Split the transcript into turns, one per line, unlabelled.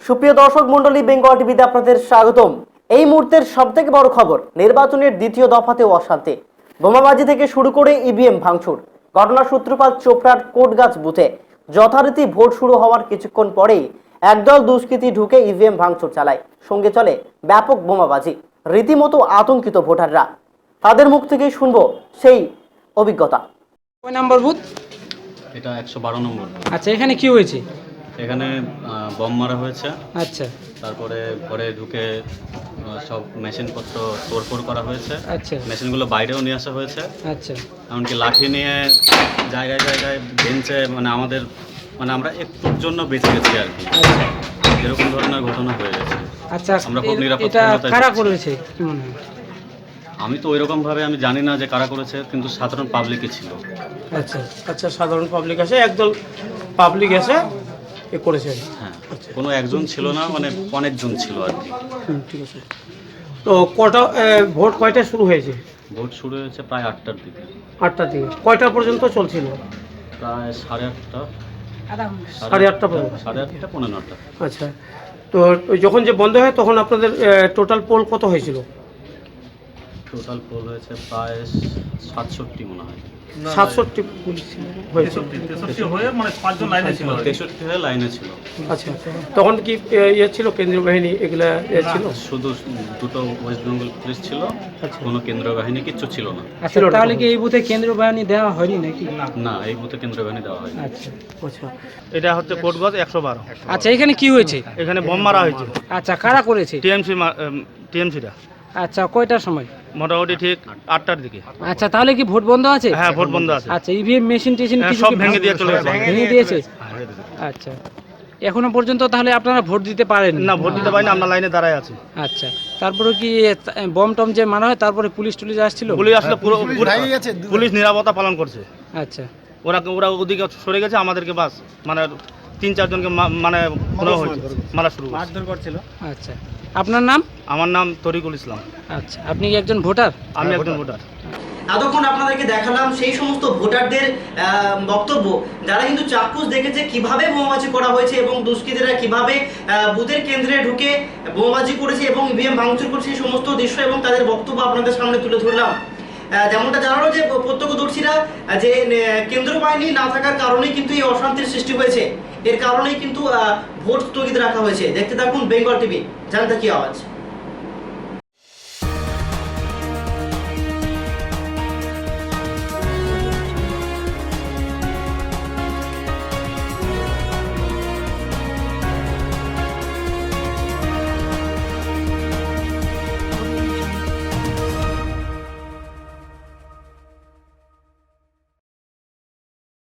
সুপ্রিয় দর্শক মন্ডলী, বেঙ্গল টিভিতে আপনাদের স্বাগতম। এই মুহূর্তের সবথেকে বড় খবর, নির্বাচনের দ্বিতীয় দফাতেও অশান্তি। বোমাবাজি থেকে শুরু করে ইভিএম ভাঙচুর। ঘটনার সূত্রপাত চোপড়ার কোটগাছ বুথে। যথারীতি ভোট শুরু হওয়ার কিছুক্ষণ পরেই একদল দুষ্কৃতী ঢুকে ইভিএম ভাঙচুর চালায়। সঙ্গে চলে ব্যাপক বোমাবাজি। রীতিমতো আতঙ্কিত ভোটাররা। তাদের মুখ থেকেই শুনবো সেই অভিজ্ঞতা।
কয় নাম্বার বুথ?
এটা 112 নম্বর।
আচ্ছা, এখানে কি হয়েছে?
এখানে বম মারা হয়েছে।
আচ্ছা
তারপরে ঘরে ঢুকে সব মেশিনপত্র তোড়ফোড় করা হয়েছে।
আচ্ছা
মেশিনগুলো বাইরেও নিয়ে আসা হয়েছে।
আচ্ছা
এমনকি লাঠি নিয়ে জায়গায় জায়গায় বেঞ্চে আমাদের আমরা একটুর জন্য বেঁচে গেছি আর কি। এরকম ধরনের ঘটনা হয়ে গেছে।
আচ্ছা,
আমরা খুব
এটা
নিরাপত্তাহীনতায়
কারা
ভুগছি।
করেছে কি মনে হয়?
আমি তো ওইরকমভাবে আমি জানি না যে কারা করেছে, কিন্তু সাধারণ পাবলিকই ছিল।
আচ্ছা
আচ্ছা, সাধারণ পাবলিক আছে, একদল পাবলিক আছে এ করেছে।
হ্যাঁ, কোনো একজন ছিল না, অনেকজন ছিল আর কি।
ঠিক আছে। তো কটা ভোট কয়টায় শুরু হয়েছে?
ভোট শুরু হয়েছে প্রায় 8টার দিকে।
8টার দিকে। কয়টা পর্যন্ত চলছিল?
প্রায় 8:30।
8:30 পর্যন্ত।
8:30 পৌনে 9টা।
আচ্ছা, তো ওই যখন যে বন্ধ হয় তখন আপনাদের টোটাল পোল কত হয়েছিল?
টোটাল পোল হয়েছে প্রায় 67 মনে হয়।
67 হয়েছে।
63 হয়ে লাইনে ছিল।
আচ্ছা, তখন কি ছিল কেন্দ্রীয় বাহিনী এগুলা ছিল?
শুধু দুটো ওয়েস্ট বেঙ্গল পুলিশ ছিল,
আচ্ছা।
কোনো কেন্দ্রীয় বাহিনী কিচ্ছু ছিল না।
আচ্ছা, তাহলে কি এই বুথে কেন্দ্রীয় বাহিনী দেওয়া হয়নি নাকি?
না, এই বুথে কেন্দ্রীয় বাহিনী দেওয়া হয়নি।
আচ্ছা
আচ্ছা, এটা হচ্ছে কোটগঞ্জ 112।
আচ্ছা, এখানে কি হয়েছে?
এখানে বোম মারা হয়েছে।
আচ্ছা, কারা করেছে?
টিএমসিটা
আচ্ছা, কয়টার সময়?
মোটামুটি ঠিক 8টার দিকে।
আচ্ছা, তাহলে কি ভোট বন্ধ আছে?
হ্যাঁ, ভোট বন্ধ আছে।
আচ্ছা, ইভিএম মেশিন টেশিন কিছু
সব
কি
ভেঙে দিয়ে চলে গেছে।
ভেঙে দিয়েছে? আচ্ছা, এখনো পর্যন্ত তাহলে আপনারা ভোট দিতে পারেন
না, ভোট দিতে পারি না, আমরা লাইনে দাঁড়ায় আছি।
আচ্ছা, তারপরে কি বম টম যে মারা হয় তারপরে পুলিশ টুলিশ আসছিল?
পুলিশ আসলে পুলিশ নিরাপত্তা পালন করছে।
আচ্ছা
ওরা ওদিকে সরে গেছে, আমাদেরকে বাস 3-4 জনকে মারা শুরু করছিল।
আচ্ছা, আপনার নাম?
আমার নাম তরিকুল ইসলাম।
আচ্ছা, আপনি কি একজন ভোটার?
আমি একজন ভোটার।
এতক্ষণ আপনাদেরকে দেখালাম সেই সমস্ত ভোটারদের বক্তব্য, যারা কিন্তু চাক্ষুষ দেখেছে কিভাবে বোমাবাজি করা হয়েছে এবং দুষ্কৃতীরা কিভাবে বুথের কেন্দ্রে ঢুকে বোমাবাজি করেছে এবং ইভিএম ভাঙচুর করেছে, সেই সমস্ত দৃশ্য এবং তাদের বক্তব্য আপনাদের সামনে তুলে ধরলাম। যেমনটা জানালো যে প্রত্যক্ষদর্শীরা, যে কেন্দ্রীয় বাহিনী না থাকার কারণেই কিন্তু এই অশান্তির সৃষ্টি হয়েছে, এর কারণেই কিন্তু ভোট স্থগিত রাখা হয়েছে। দেখতে থাকুন বেঙ্গল টিভি, জানতে কি আওয়াজ।